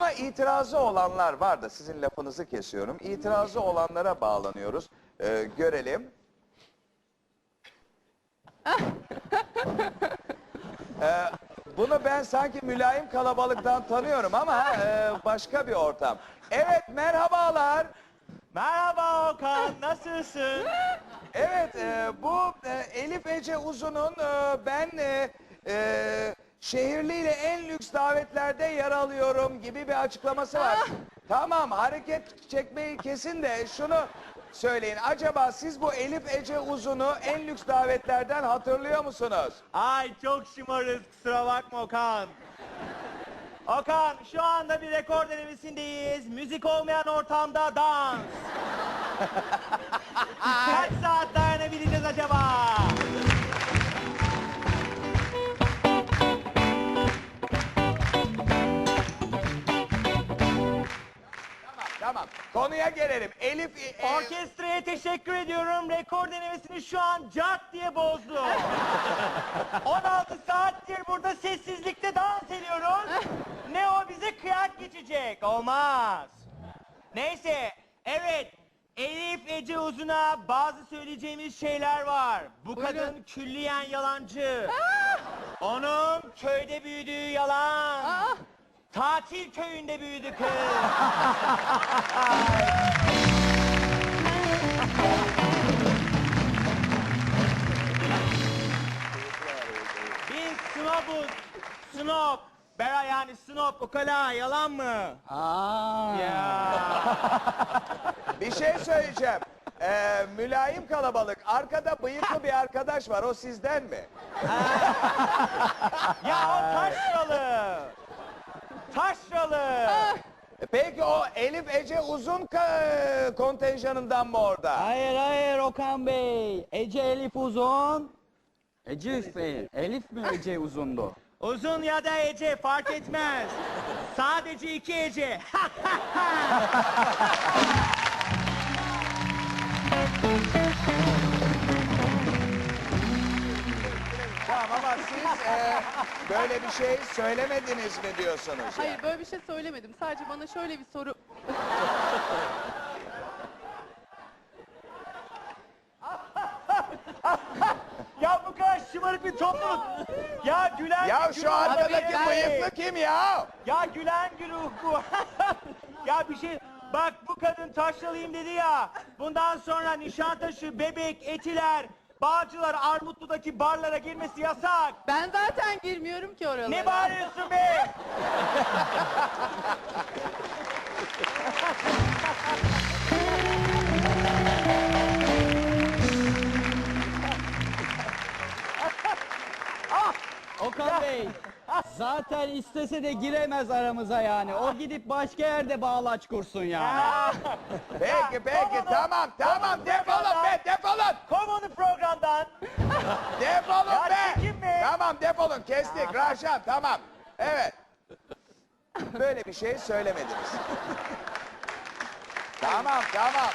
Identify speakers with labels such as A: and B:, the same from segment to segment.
A: Ama itirazı olanlar var da sizin lafınızı kesiyorum. İtirazı olanlara bağlanıyoruz. Görelim. Bunu ben sanki mülayim kalabalıktan tanıyorum ama başka bir ortam. Evet, merhabalar.
B: Merhaba Okan, nasılsın?
A: Evet, bu Elif Ece Uzun'un ben şehirliyle en lüks davetlerde yer alıyorum gibi bir açıklaması var. Tamam, hareket çekmeyi kesin de şunu söyleyin. Acaba siz bu Elif Ece Uzun'u en lüks davetlerden hatırlıyor musunuz?
B: Ay çok şımarız, kusura bakma Okan. Okan, şu anda bir rekor denemesindeyiz. Müzik olmayan ortamda dans. Kaç saat dayanabileceğiz acaba?
A: Tamam, konuya gelelim. Elif...
B: Orkestraya teşekkür ediyorum. Rekor denemesini şu an cart diye bozdu. 16 saattir burada sessizlikte dans ediyoruz. Ne o bize kıyak geçecek. Olmaz. Neyse, evet. Elif Ece Uzun'a bazı söyleyeceğimiz şeyler var. Bu kadın külliyen yalancı. Onun köyde büyüdüğü yalan. Tatil köyünde büyüdü kız. Biz snobuz. Snob. Bera yani snob. Ukala yalan mı? Ya.
A: Bir şey söyleyeceğim. Mülayim kalabalık. Arkada bıyıklı bir arkadaş var. O sizden mi?
B: Ya o taşralı. Taşralı.
A: Peki o Elif Ece Uzun kontenjanından mı orada?
C: Hayır Okan Bey. Ece Elif Uzun. Ece Bey. Elif mi Ece Uzundu?
B: Uzun ya da Ece fark etmez. Sadece iki Ece.
A: Tamam ama siz böyle bir şey söylemediniz mi diyorsunuz?
D: Hayır
A: yani?
D: böyle bir şey söylemedim. Sadece bana şöyle bir soru...
B: Ya bu kadar şımarık bir topluluk. Ya gülen
A: Ya
B: bir
A: şu
B: güruh
A: arkadaki
B: abi.
A: bıyıklı kim ya?
B: Ya gülen güruh bu. Ya bir şey... Bak bu kadın taşralıyım dedi ya. Bundan sonra Nişantaşı, Bebek, Etiler, Bağcılar, Armutlu'daki barlara girmesi yasak.
D: Ben zaten girmiyorum ki oralara.
B: Ne bağırıyorsun be?
C: Okan Bey. Zaten istese de giremez aramıza yani. O gidip başka yerde bağlaç kursun yani.
A: Peki
B: Kovun
A: tamam
B: kovun
A: defolun be defolun.
B: Kov onu programdan.
A: Defolun
B: Ya
A: be.
B: çekinme.
A: Tamam defolun kestik Raşan tamam. Evet. Böyle bir şey söylemediniz. Tamam.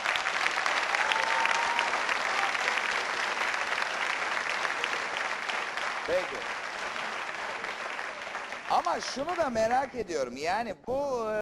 A: Peki. Ama şunu da merak ediyorum. Yani bu